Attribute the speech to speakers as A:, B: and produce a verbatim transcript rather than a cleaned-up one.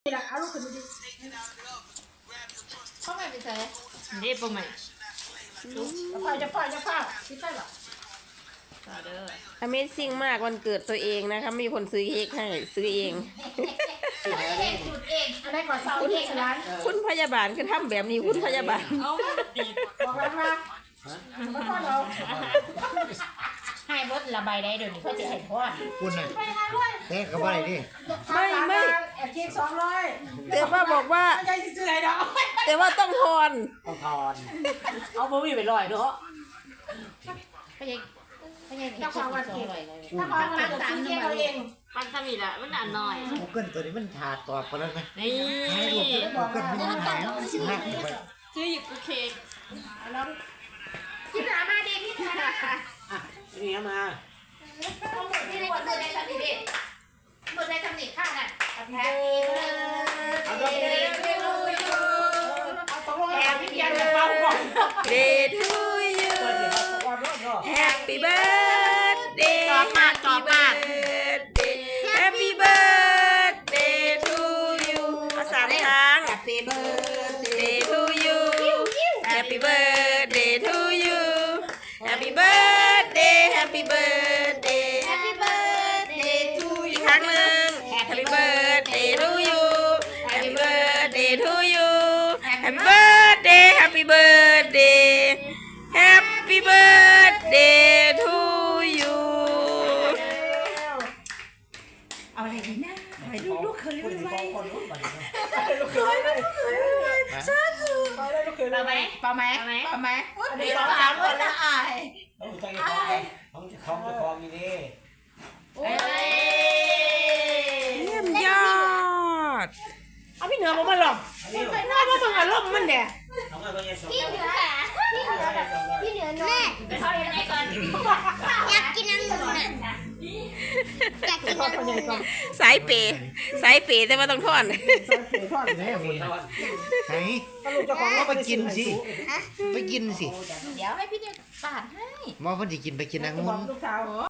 A: นี่แหละเอาลูกขึ้นมาดิเข้าไปไปใส่
B: เด็บปะไหม
A: จะไฟจะไฟจะไฟที่ไฟหรอ
C: Amazing มากวันเกิดตัวเองนะคะมีคนซื้อเค้กให้ซื้อเอง
A: เองจุดเองอันนี้ก่อนเสาเองร้าน
C: คุณพยาบาลคือทำแบบนี้คุณพยาบาล
B: เอาติด
A: บอกร้านมาแล้วก็เรา
B: ให้บดระบายได้เดี๋ยวนี้เขาจะให้ทอด
D: คุณน่ะ
A: ไปงานด้วย
D: เตะเข้าไปดิ
C: ไม่ไม่
A: แอบคิดสองร้อย
C: แต่ว่าบอกว่า
A: ไม่ใช่ซื้ออะไรดอก
C: แต่ว่าต้องทอน
D: ต้องทอน
B: เอาบ่มีไปลอยเนาะ
A: ไม่ใช่ไม่ใช่เจ้าของวันเกิดเจ้าของวันเกิดซื้อเค้กเอาเอง
B: มันทำอีกละมันอ่านหน่อย
D: กูเกิลตัวนี้มันถาดตอบกันแล้วไหม
B: นี่
D: ให้ลูกกูเกิลมันยังหายแล้วสิบห้าไป
B: ซื้ออยู่กูเค้ก
A: แล้วพี่หนามาดิพี่หนา
D: นี่มา
A: เอาหมดที่หมดเลยในสถิติหมดในสถิติข้างน่ะแฮปปี้เบิร์ดเดย์ทูยูเอาตกลงแล้วพี่เบียร์จะเป่าก่อน
C: Day to you Happy birthday
B: จอบมากจอบมาก
C: Happy birthday to you ภาษาทาง
A: Happy birthday
C: Day to you Happy birthday to you Happy birthday Happy birthday
A: Happy birthday to
C: อีกครั้งหนึ่ง Happy birthday to you Happy birthday to you Happy birthday Happy birthday Happy birthday to you
A: เอาอะไรดีนะไปลูกลูกเคยลูกเคย
D: ลูกเคยลูกเคย
A: เปล่าไหมเปล่าไหมเปล่าไหมอันนี้สองสามคนละอาย
D: ต้องใจคองต้องจะคองจะคองนี่ดิ
A: เอ้ย
C: เยี่ยมยอด
A: เอาพี่เหนือผมมาหรอกใส่หน้าว่ามึงอารมณ์มันเนี่ย
D: น้องอะไรสอง
E: พี่เหนือพี่เหนือแบบพี่เหนือแม่
B: ไปเข้ายังไงก่อน
E: อยากกินองุ่นน่ะอยากกินองุ่นน่ะ
C: สายเปย์สายเปย์แต่ว่าต้องทอน
D: แม่คุณไหนก็ไปกินสิไปกินสิ
A: เดี๋ยวให้พี่เนี่ยปาดให้
D: มอพันธิกินไปกินนางมุน
A: ลูกสาว